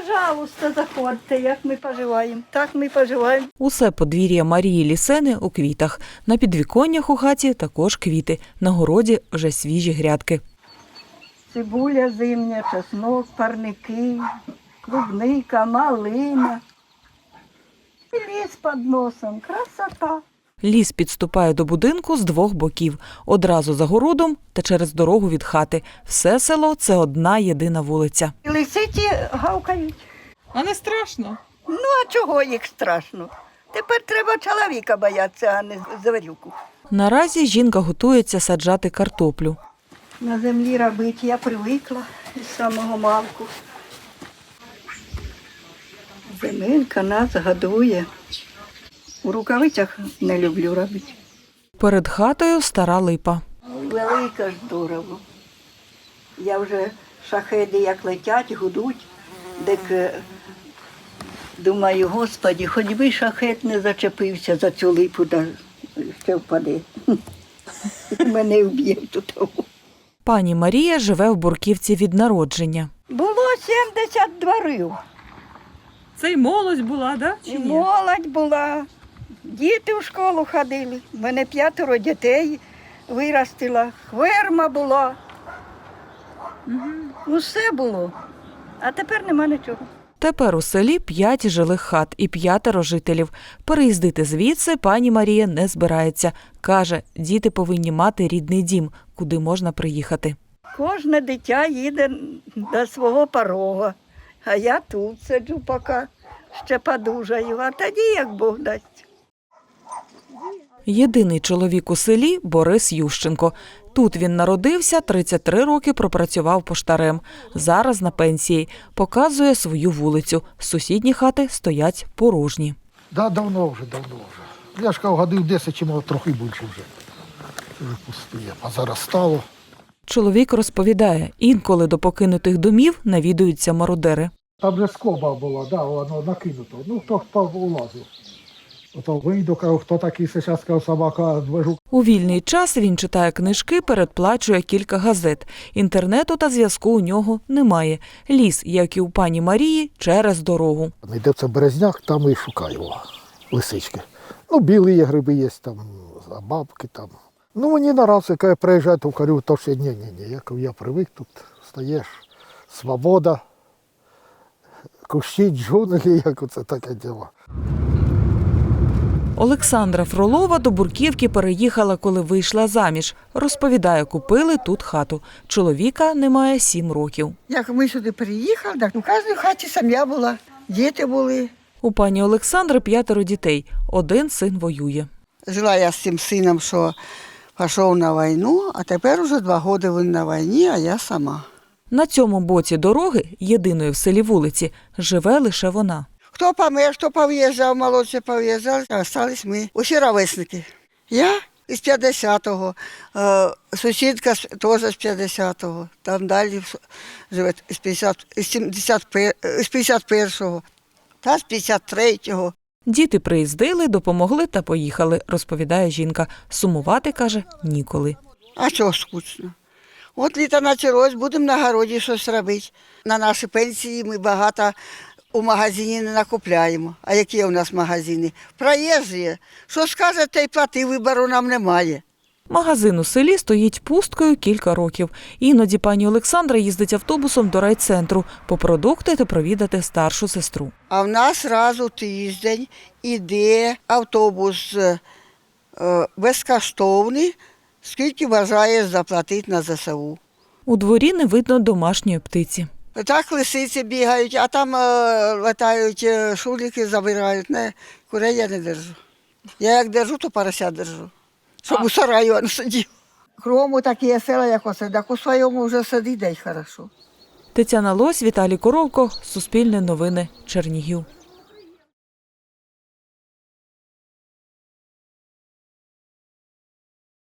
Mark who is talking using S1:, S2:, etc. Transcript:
S1: Пожалуйста, заходьте, як ми поживаємо. Так ми поживаємо.
S2: Усе подвір'я Марії Лісени у квітах. На підвіконнях у хаті також квіти. На городі вже свіжі грядки.
S1: Цибуля зимня, чеснок, парники, клубника, малина. І ліс під носом. Красота.
S2: Ліс підступає до будинку з двох боків. Одразу за городом та через дорогу від хати. Все село – це одна єдина вулиця.
S1: І лисиці гавкають.
S3: А не страшно?
S1: Ну, а чого їх страшно? Тепер треба чоловіка боятися, а не звірюку.
S2: Наразі жінка готується саджати картоплю.
S1: На землі робити я привикла із самого малку. Земелька нас годує. У рукавицях не люблю робити.
S2: Перед хатою стара липа.
S1: Велика ж здорово. Я вже шахеди як летять, гудуть, так думаю, Господі, хоч би шахет не зачепився за цю липу, да ще впаде. Мене вб'є тут.
S2: Пані Марія живе в Бурківці від народження.
S1: Було 70 дворів.
S3: Це й молодь була, да? Чи
S1: І
S3: ні?
S1: молодь була, діти в школу ходили. У мене 5 дітей виростила, ферма була. Ну, все було. А тепер нема нічого.
S2: Тепер у селі 5 жилих хат і 5 жителів. Переїздити звідси пані Марія не збирається. Каже, діти повинні мати рідний дім, куди можна приїхати.
S1: Кожне дитя їде до свого порога, а я тут сиджу поки ще подужаю, а тоді як Бог дасть.
S2: Єдиний чоловік у селі – Борис Ющенко. Тут він народився, 33 роки пропрацював поштарем. Зараз на пенсії. Показує свою вулицю. Сусідні хати стоять порожні.
S4: Да, давно вже. Я ж кажу, годин 10 чи може трохи більше вже. Це вже пустує. А зараз стало.
S2: Чоловік розповідає, інколи до покинутих домів навідуються мародери.
S4: Там же скоба була, да, воно накинуто. Ну, хто улазив. Ото вийду, кажу, хто такий зараз, кажу, собака, движу.
S2: У вільний час він читає книжки, передплачує кілька газет. Інтернету та зв'язку у нього немає. Ліс, як і у пані Марії, через дорогу.
S4: Йде це березняк, там і шукаю лисички. Ну, білі є гриби є, там, бабки там. Ну, мені наразі, коли я приїжджаю, то кажу, то ще ні. Я привик, тут стаєш, свобода, кущі, джунглі, як оце таке діло.
S2: Олександра Фролова до Бурківки переїхала, коли вийшла заміж. Розповідає, купили тут хату. Чоловіка немає 7 років.
S1: Як ми сюди приїхали, так у кожній хаті сім'я була, діти були.
S2: У пані Олександри 5 дітей. Один син воює.
S5: Жила я з цим сином, що пішов на війну, а тепер уже 2 роки він на війні, а я сама.
S2: На цьому боці дороги, єдиної в селі вулиці, живе лише вона.
S5: Хто помер, хто пов'їжджав, молодші пов'їжджали, а залишились ми. Усі ровесники. Я із 50-го, сусідка теж з 50-го, там далі живе з 51-го, та з 53-го.
S2: Діти приїздили, допомогли та поїхали, розповідає жінка. Сумувати, каже, ніколи.
S5: А чого скучно? От літо почалось, будемо на городі щось робити. На наші пенсії ми багато у магазині не накупляємо. А які у нас магазини? Проїжджі. Що скаже, та й плати, вибору нам немає.
S2: Магазин у селі стоїть пусткою кілька років. Іноді пані Олександра їздить автобусом до райцентру по продукти та провідати старшу сестру.
S5: А в нас раз у тиждень іде автобус безкоштовний, скільки бажає заплатити на ЗСУ.
S2: У дворі не видно домашньої птиці.
S5: Так лисиці бігають, а там летають шуліки, забирають. Не, курей я не держу. Я як держу, то порося держу, щоб у сараю не сидів. Кругом такі села, як оце, так у своєму вже сидить, дай хорошо.
S2: Тетяна Лось, Віталій Коровко, Суспільне новини, Чернігів.